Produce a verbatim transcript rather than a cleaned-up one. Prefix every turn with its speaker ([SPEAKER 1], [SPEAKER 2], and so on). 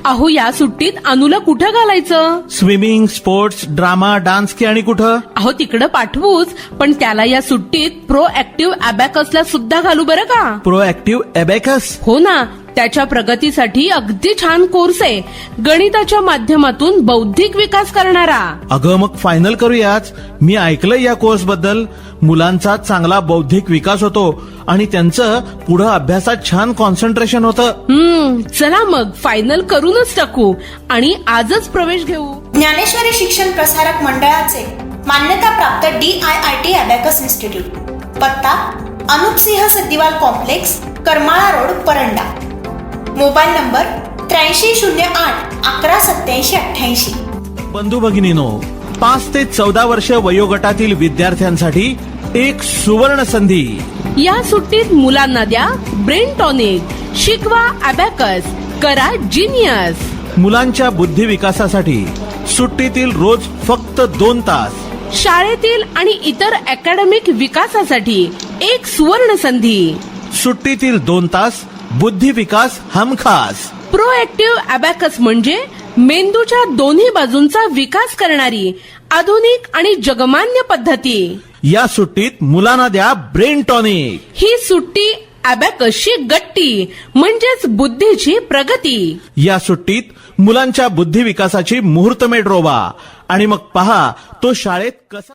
[SPEAKER 1] अहो या सुट्टीत अनुला कुठं घालायचं?
[SPEAKER 2] स्विमिंग, स्पोर्ट्स, ड्रामा, डान्स की आणि कुठं?
[SPEAKER 1] अहो तिकडं पाठवूच, पण त्याला या सुट्टीत प्रो ऍक्टिव्ह अबॅकसला सुद्धा घालू बरं का?
[SPEAKER 2] Pro Active Abacus?
[SPEAKER 1] हो ना, त्याच्या प्रगतीसाठी अगदी छान कोर्स आहे. गणिताच्या माध्यमातून बौद्धिक विकास करणारा.
[SPEAKER 2] अगं मग फायनल करूयाच. मी ऐकलंय या कोर्स बद्दल. मुलांचा चांगला बौद्धिक विकास होतो आणि त्यांचं पुढे अभ्यासात छान कॉन्सन्ट्रेशन होतं.
[SPEAKER 1] हम्म चला मग फायनल करूनच टाकू आणि आजच प्रवेश घेऊ.
[SPEAKER 3] ज्ञानेश्वरी शिक्षण प्रसारक मंडळाचे मान्यताप्राप्त D I I T abacus institute. पत्ता Anupsingh Saddiwal complex, Karmala road, Paranda. Mobile number त्र्याऐंशी शून्य आठ अकरा सत्याऐंशी अठ्ठ्याऐंशी.
[SPEAKER 2] बंधू भगिनीनो, पाच ते चौदा वर्ष वयोगटातील विद्यार्थ्यांसाठी एक सुवर्ण संधी.
[SPEAKER 1] या सुट्टीत मुलांना द्या ब्रेन टॉनिक, शिकवा अबॅकस, करा जिनियस.
[SPEAKER 2] मुलांच्या बुद्धी विकासासाठी सुट्टीतील रोज फक्त दोन तास.
[SPEAKER 1] शाळेतील आणि इतर अकॅडमिक विकासासाठी एक सुवर्ण संधी.
[SPEAKER 2] सुट्टीतील दोन तास बुद्धी विकास हमखास.
[SPEAKER 1] प्रो ऍक्टिव्ह अबॅकस म्हणजे मेंदूच्या दोन्ही बाजूंचा विकास करणारी आधुनिक आणि जगमान्य पद्धती.
[SPEAKER 2] या सुट्टीत मुलांना द्या ब्रेन टॉनिक.
[SPEAKER 1] ही सुट्टी अबॅकसची गट्टी म्हणजेच बुद्धीची प्रगती.
[SPEAKER 2] या सुट्टीत मुलांच्या बुद्धी विकासाची मुहूर्तमेढ रोवा आणि मग पहा तो शाळेत कसा